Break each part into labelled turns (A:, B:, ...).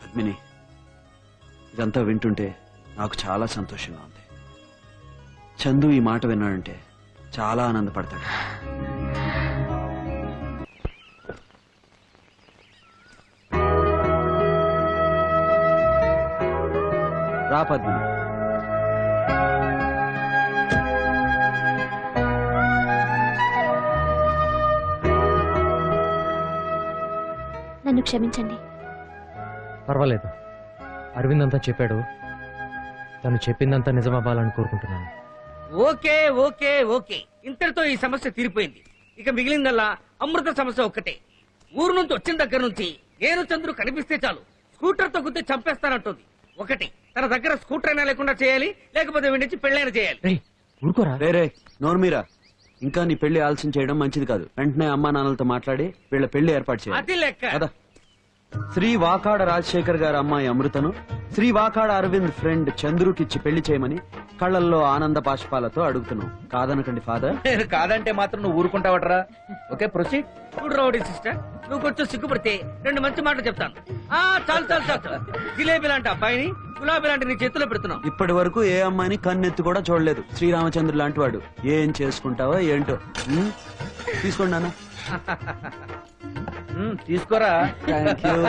A: Mini, ఇదంతా వింటుంటే నాకు చాలా సంతోషంగా ఉంది. చందు ఈ మాట విన్నాడంటే చాలా ఆనందపడతాడు. రా పద్మిని.
B: నన్ను క్షమించండి.
C: పర్వాలేదు, అరవింద్ అంతా చెప్పాడు. తను చెప్పిందంతా నిజమవ్వాలని కోరుకుంటున్నాను.
D: ఓకే ఓకే ఓకే, ఇంతటితో ఈ సమస్య తీరిపోయింది. ఇక మిగిలిందల్లా అమృత సమస్య ఒక్కటే. ఊరు నుంచి వచ్చిన దగ్గర నుంచి నేను చంద్రు కనిపిస్తే చాలు స్కూటర్ తో గుద్ది చంపేస్తానంటుంది. ఒకటి, తన దగ్గర స్కూటర్ అయినా లేకుండా చేయాలి, లేకపోతే వీడి నుంచి పెళ్ళైనా చేయాలి.
C: ఊరుకోరా.
A: రే నోర్మీరా, ఇంకా నీ పెళ్లి ఆలస్యం చేయడం మంచిది కాదు. వెంటనే అమ్మా నాన్నలతో మాట్లాడి వీళ్ళ పెళ్లి ఏర్పాటు చేయాలి.
D: అది లెక్క
A: కదా. శ్రీ వాకాడ రాజశేఖర్ గారి అమ్మాయి అమృతను శ్రీ వాకాడ అరవింద్ ఫ్రెండ్ చంద్రుకిచ్చి పెళ్లి చేయమని కళ్ళల్లో ఆనంద బాష్పాలతో అడుగుతున్నాం. కాదనకండి ఫాదర్.
E: నేను కాదంటే మాత్రం నువ్వు ఊరుకుంటావటరా? Okay, proceed.
D: చూడు రౌడీ సిస్టర్, నువ్వు కొంచెం సిగ్గుపడితే రెండు మంచి మాటలు చెప్తాను. చాలు చాలు చాలు చాలు. జిలేబీ లాంటి అబ్బాయిని గులాబీ లాంటి నీ చేతిలో పెడుతున్నావు.
A: ఇప్పటి వరకు ఏ అమ్మాయిని కన్నెత్తి కూడా చూడలేదు. శ్రీరామచంద్రుడు లాంటి వాడు. ఏం చేసుకుంటావో ఏంటో. తీసుకోండి నాన్న.
E: తీసుకోరా.
A: Thank you.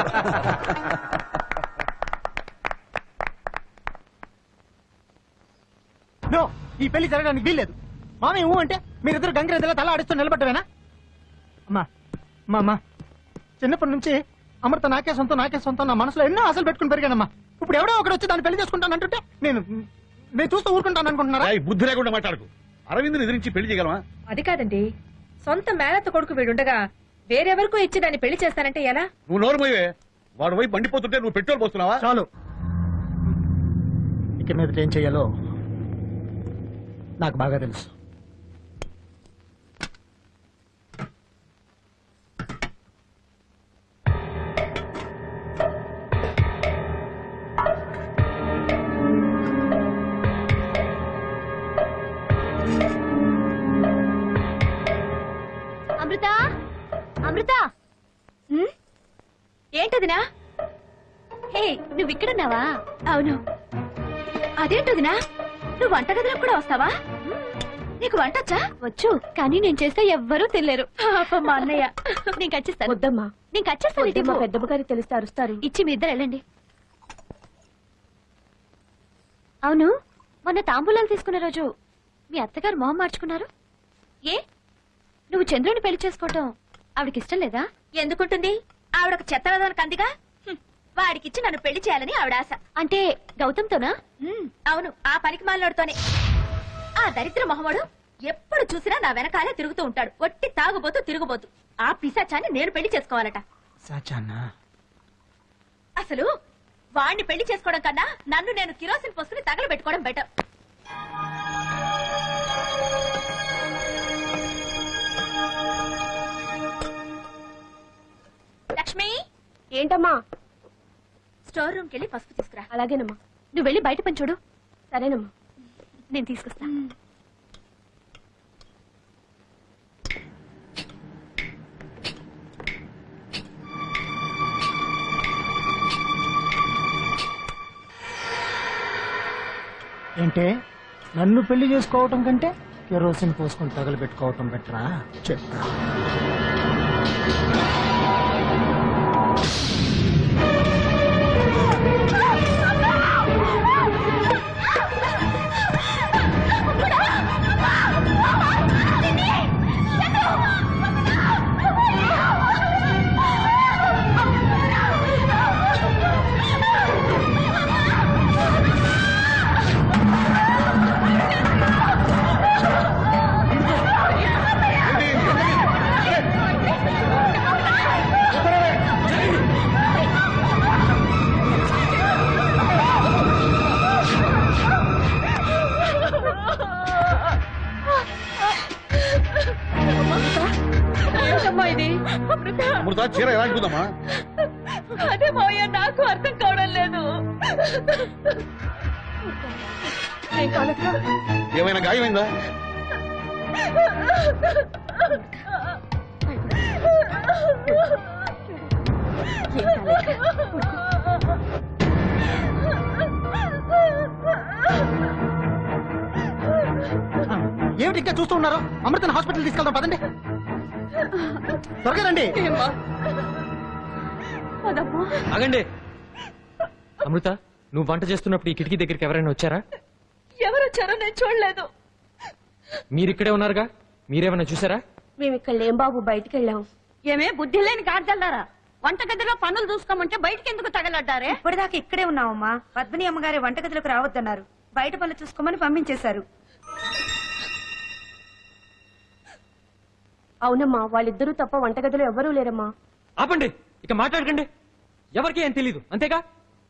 F: నో, ఈ పెళ్లి జరగడానికి వీల్లేదు. మామయ్య అంటే మీరిద్దరు గంగిరెద్దులా తల ఆడిస్తూ నిలబడ్డవేనా? అమ్మా అమ్మా, చిన్నప్పటి నుంచి అమృత నాకే సొంతం నా మనసులో ఎన్నో ఆశలు పెట్టుకుని పెరిగానమ్మా. ఇప్పుడు ఎవడో ఒకడు వచ్చి దాన్ని పెళ్లి చేసుకుంటాను అంటుంటే నేను చూస్తూ ఊరుకుంటాను అనుకుంటున్నారా?
G: బుద్ధి లేకుండా మాట్లాడుకు. అరవింద్ని ఎదిరించి పెళ్లి చేయగలమా?
H: అది కాదండి, సొంత మేనత్త కొడుకు వీడుండగా వేరెవరికో ఇచ్చి దాన్ని పెళ్లి చేస్తానంటే ఎలా?
G: నువ్వు నోరు పోయే. వాడు వైపు మండిపోతుంటే నువ్వు పెట్రోల్ పోస్తున్నావా?
F: చాలు, ఇక మీద ఏం చెయ్యాలో నాకు బాగా తెలుసు.
B: అమృత, అమృత, ఏంటదినా? హే, నువ్వు ఇక్కడున్నావా? అవును. అదేంటదినా, నువ్వు వంటగదిలోకి కూడా వస్తావా? నీకు వంటొచ్చా? వచ్చు, కానీ నేను చేస్తే ఎవ్వరూ తినలేరు. మా అన్నయ్య. నేను కచ్చిస్తాను. వద్దమ్మా, నేను కచ్చేస్తాను. మా పెద్దమ్మ గారికి తెలిస్తే అరుస్తారు. ఇచ్చి మీ ఇద్దరు వెళ్ళండి. అవును, మొన్న తాంబూలాలు తీసుకున్న రోజు మీ అత్తగారు మొహం మార్చుకున్నారు. ఏ, నువ్వు చంద్రుని పెళ్లి చేసుకోవటం ఆవిడకి ఇష్టం లేదా? ఎందుకుంటుంది? ఆవిడకు చెత్తరదానికి అందిగా. వాడికిచ్చి నన్ను పెళ్లి చేయాలని ఆవిడ ఆశ. అంటే గౌతంతోనా? అవును, ఆ పనికి మాలోడుతోనే. ఆ దరిద్ర మొహముడు ఎప్పుడు చూసినా నా వెనకాలే తిరుగుతూ ఉంటాడు. ఒట్టి తాగుబోతూ తిరుగుబోతూ. ఆ పిశాచాన్ని నేను పెళ్లి చేసుకోవాలట. అసలు వాణ్ణి పెళ్లి చేసుకోవడం కన్నా నన్ను నేను కిరోసిన్ పోసుకుని తగలబెట్టుకోవడం బెటర్. లక్ష్మి. ఏంటమ్మా? స్టోర్ రూమ్కి వెళ్ళి పసుపు తీసుకురా. అలాగేనమ్మా. నువ్వు వెళ్ళి బయట పని చూడు. సరేనమ్మా, నేను తీసుకొస్తా.
F: ఏంటే, నన్ను పెళ్లి చేసుకోవటం కంటే కెరోసిన్ పోసుకొని తగలబెట్టుకోవటం బెటరా? చెప్తా.
G: అమృత, చీర ఎలా ఉంటుందమ్మా?
H: అదే మావయ్య, నాకు అర్థం కావడం లేదు.
G: ఏమైనా గాయమైందా?
H: ఏం కాలేదు.
F: ఏంటి ఇంకా చూస్తూ ఉన్నారు? అమృతని హాస్పిటల్ తీసుకెళ్దాం పదండి. త్వరగా రండి.
C: ఆగండి. అమృత, నువ్వు వంట చేస్తున్నప్పుడు ఈ కిటికీ దగ్గరికి ఎవరైనా వచ్చారా?
B: ఎవరొచ్చారో నేను చూడలేదు.
C: మీరిక్కడే ఉన్నారుగా, మీరేమైనా చూసారా?
B: మేము ఇక్కడ లేం బాబు, బయటికి వెళ్ళాం. ఏమే బుద్ధి లేని గాడిదల్లారా, వంటగదిలో పనులు చూసుకోమంటే బయటికి ఎందుకు తగలడ్డారే?
I: ఇప్పటిదాకా ఇక్కడే ఉన్నామమ్మా. పద్మిని అమ్మగారి వంటగదిలోకి రావద్దన్నారు. బయట పనులు చూసుకోమని పంపించేశారు.
B: అవునమ్మా, వాళ్ళిద్దరూ తప్ప వంటగదిలో ఎవ్వరూ లేరమ్మా.
C: ఆపండి, ఇక మాట్లాడకండి. ఎవరికి ఏం తెలీదు, అంతేగా?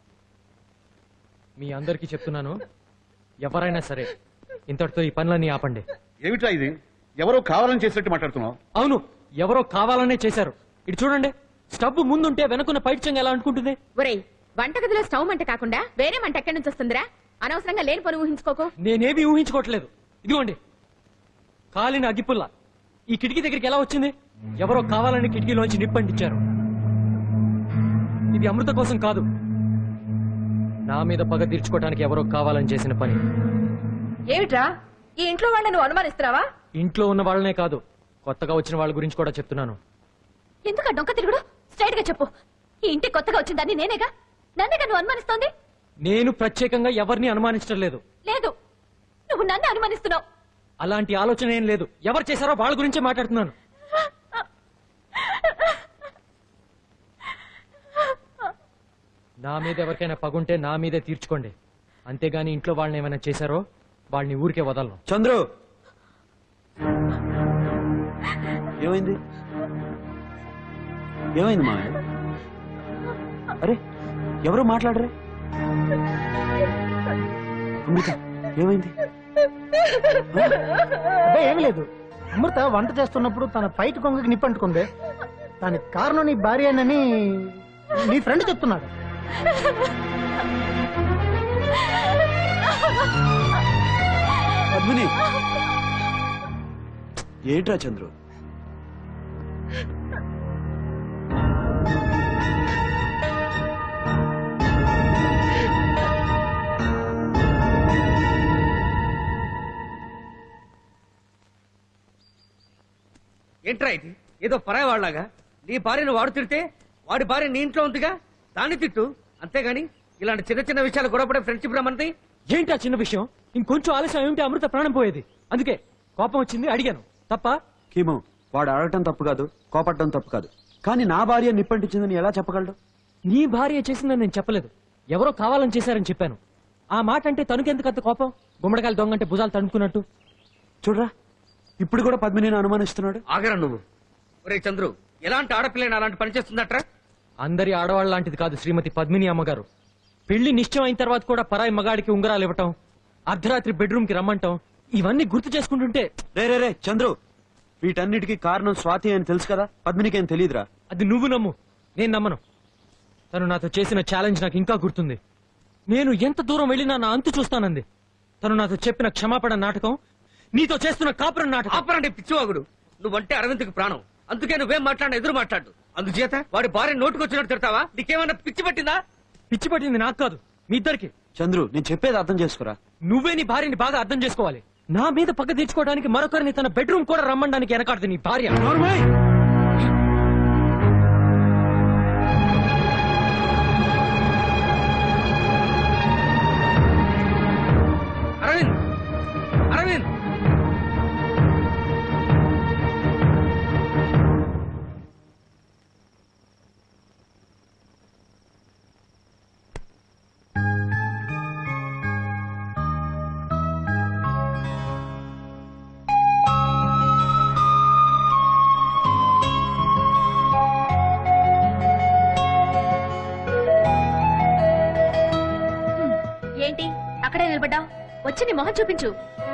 C: మీ అందరికీ చెప్తున్నాను, ఎవరైనా సరే ఇంతటితో ఈ పనులన్నీ ఆపండి.
G: ఏమిట్రా ఇది? ఎవరో కావాలని చేసినట్టు మాట్లాడుతున్నావు.
C: అవును, ఎవరో కావాలనే చేశారు. ఇటు చూడండి, స్టవ్ ముందుంటే వెనకున్న పైట్ చెంగ ఎలా అనుకుంటుంది?
B: ఒరేయ్, వంటగదిలో స్టవ్ మంట కాకుండా వేరే మంట ఎక్కడి నుంచి వస్తుందిరా? అనవసరంగా లేని పని ఊహించుకోకు.
C: నేనేమీ ఊహించుకోవట్లేదు. ఇదిగోండి, కాలిన అగ్గిపుల్ల ఈ కిటికీ దగ్గరికి ఎలా వచ్చింది? ఎవరో కావాలని కిటికీలోంచి నిప్పంటించారు. ఇది అమృత కోసం కాదు, నా మీద పగ తీర్చుకోవడానికి ఎవరో కావాలని చేసిన పని.
H: ఏమిట్రా, ఈ ఇంట్లో వాళ్ళని నువ్వు అనుమానిస్తున్నావా?
C: ఇంట్లో ఉన్న వాళ్ళనే కాదు, కొత్తగా వచ్చిన వాళ్ళ గురించి కూడా చెప్తున్నాను.
B: ఎందుకు డొంక తిరుగుడు? స్ట్రైట్ గా చెప్పు. ఈ ఇంటి కొత్తగా వచ్చిందని నేనేగా, నన్నేగా నువ్వు అనుమానిస్తోంది?
C: నేను ప్రత్యేకంగా ఎవరిని అనుమానించడం లేదు.
B: లేదు, నువ్వు నన్ను అనుమానిస్తున్నావు.
C: అలాంటి ఆలోచన ఏం లేదు. ఎవరు చేశారో వాళ్ళ గురించే మాట్లాడుతున్నాను. నా మీద ఎవరికైనా పగుంటే నా మీదే తీర్చుకోండి, అంతేగాని ఇంట్లో వాళ్ళని ఏమైనా చేశారో వాళ్ళని ఊరికే వదలను.
A: చంద్రు, ఏమైంది? ఏమైంది మా? అరే, ఎవరు మాట్లాడరే? అమృత, ఏమైంది?
F: అబ్బే, ఏమీ లేదు. అమృత వంట చేస్తున్నప్పుడు తన పైకి కొంగకి నిప్పంటుకుంది. దానికి కారణం నీ భార్యనని నీ ఫ్రెండ్ చెప్తున్నాడు.
A: పద్మిని, ఏంట్రా చంద్రు?
D: ఏంట్రా ఇది? ఏదో పరాయి వాళ్ళగా నీ భార్యను వాడు తిడితే వాడి భార్య నీ ఇంట్లో ఉందిగా, దాన్ని తిట్టు. అంతేగాని ఇలాంటి చిన్న చిన్న విషయాలు గొడవపడే ఫ్రెండ్షిప్ రమ్మంది.
C: ఏంటా చిన్న విషయం? ఇంకొంచెం ఆలస్యం ఏమిటి అమృత ప్రాణం పోయేది. అందుకే కోపం వచ్చింది, అడిగాను. తప్ప?
A: కీమో, వాడు అడగటం తప్పు కాదు, కోపడటం తప్పు కాదు. కానీ నా భార్య నిప్పంటించిందని ఎలా చెప్పగలడు?
C: నీ భార్య చేసిందని నేను చెప్పలేదు, ఎవరో కావాలని చేశారని చెప్పాను. ఆ మాట అంటే తనకెందుకు అంత కోపం? గుమ్మడికాయలు దొంగంటే భుజాలు తడుపుకున్నట్టు.
A: చూడరా, ఇప్పుడు కూడా పద్మిని అనుమానిస్తున్నాడు.
D: ఆగరా నువ్వు. ఒరే చంద్రు, ఎలాంటి ఆడపిల్లని అలాంటి పని చేస్తుందట్రా?
C: అందరి ఆడవాళ్ళ లాంటిది కాదు శ్రీమతి పద్మిని అమ్మగారు. పెళ్లి నిశ్చయం అయిన తర్వాత కూడా పరాయి మగాడికి ఉంగరాలు ఇవ్వటం, అర్ధరాత్రి బెడ్రూమ్ కి రమ్మంటాం, ఇవన్నీ గుర్తు చేసుకుంటుంటే.
A: రే చంద్రు, వీటన్నిటికీ కారణం స్వాతి అని తెలుసు కదా, పద్మినికి ఏం తెలియదురా?
C: అది నువ్వు నమ్ము, నేను నమ్మను. తను నాతో చేసిన ఛాలెంజ్ నాకు ఇంకా గుర్తుంది. నేను ఎంత దూరం వెళ్ళినా నా అంతు చూస్తానంది. తను నాతో చెప్పిన క్షమాపణ నాటకం, నీతో చేస్తున్న కాపురం నాటకం.
D: ఆపరండి పిచ్చివాగుడు. నువ్వంటే అరవింద్కి ప్రాణం, అందుకే నువ్వేం మాట్లాడిన ఎదురు మాట్లాడు. అందుచేత వాడి భార్య నోటుకొచ్చినట్టు తిడతావా? నీకేమన్నా పిచ్చి పట్టిందా?
C: పిచ్చి పట్టింది నాకు కాదు, మీ ఇద్దరికి.
A: చంద్రు, నేను చెప్పేది అర్థం చేసుకురా.
C: నువ్వే నీ భార్యని బాగా అర్థం చేసుకోవాలి. నా మీద పక్క తీర్చుకోవడానికి మరొకరిని తన బెడ్రూమ్ కూడా రమ్మడానికి వెనకాడుతుంది నీ భార్య.
D: అరవింద్, అరవింద్,
B: ఏంటి అక్కడే నిలబడ్డా? వచ్చి నీ మొహం చూపించు.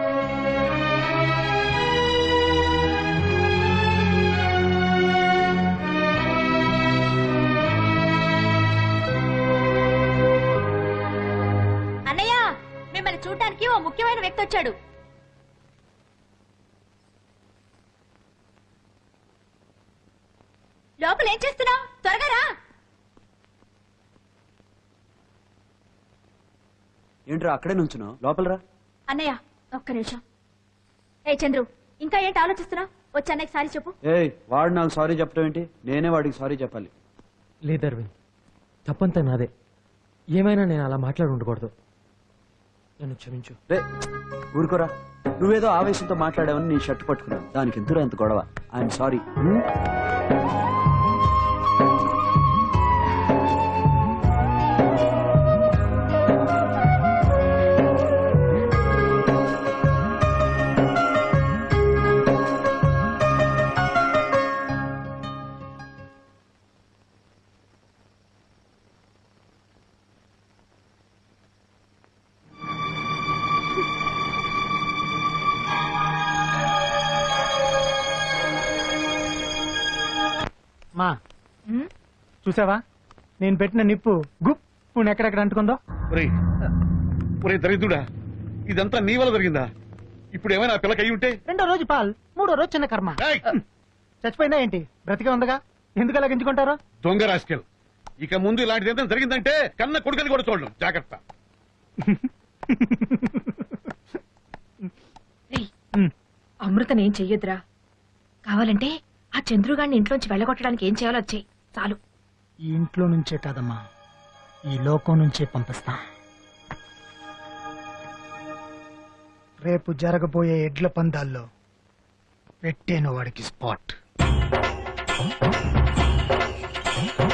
B: అన్నయ్య, మిమ్మల్ని చూడటానికి ఓ ముఖ్యమైన వ్యక్తి వచ్చాడు. లోపల ఏం చేస్తున్నావు? త్వరగా రా.
A: ఏంట్రా అక్కడే నుంచున్నావు? లోపల రా.
B: అన్నయ్య, ఒక్క నిమిషం. ఏ చంద్రు ఇంకా ఏంటి ఆలోచిస్తున్నావు వచ్చి అన్నయ్య సారీ చెప్పు
A: ఏయ్ వాడు నాకు సారీ చెప్పడం ఏంటి? నేనే వాడికి సారీ చెప్పాలి.
C: లేదు అరవింద్, తప్పంతా నాదే. ఏమైనా నేను అలా మాట్లాడి ఉండకూడదు. నన్ను క్షమించు.
A: రే ఊరుకోరా, నువ్వేదో ఆవేశంతో మాట్లాడావని నీ షర్ట్ పట్టుకున్నావు. దానికి ఎందుకు ఎంత గొడవ? I'm sorry.
F: మా చూసావా నేను పెట్టిన నిప్పు గుప్పు ఎక్కడెక్కడ అంటుకుందో.
G: ఒరేయ్ ఒరే దరిద్రుడా, ఇదంతా నీ వల్ల జరిగిందా? ఇప్పుడు ఏమైనా ఆ పిల్లకి అయి ఉంటే?
F: రెండో రోజు పాల్, మూడో రోజు చిన్న కర్మ.
G: ఏయ్!
F: చచ్చిపోయిందా ఏంటి? బ్రతికే ఉందగా, ఎందుకు అలా గింజుకుంటారు?
G: దొంగ రాస్కెల్, ఇక ముందు ఇలాంటిది ఏదైనా జరిగిందంటే కన్న కొడుకని కూడా చూడడం జాగ్రత్త.
H: అమృతని ఏం చెయ్యొద్దురా. కావాలంటే ఆ చంద్రుగాడిని ఇంట్లోంచి వెళ్ళగొట్టడానికి ఏం చేయాలో వచ్చాయి చాలు.
F: ఈ ఇంట్లో నుంచే కాదమ్మా, ఈ లోకం నుంచే పంపిస్తా. రేపు జరగబోయే ఎడ్ల పందాల్లో పెట్టేను వాడికి స్పాట్.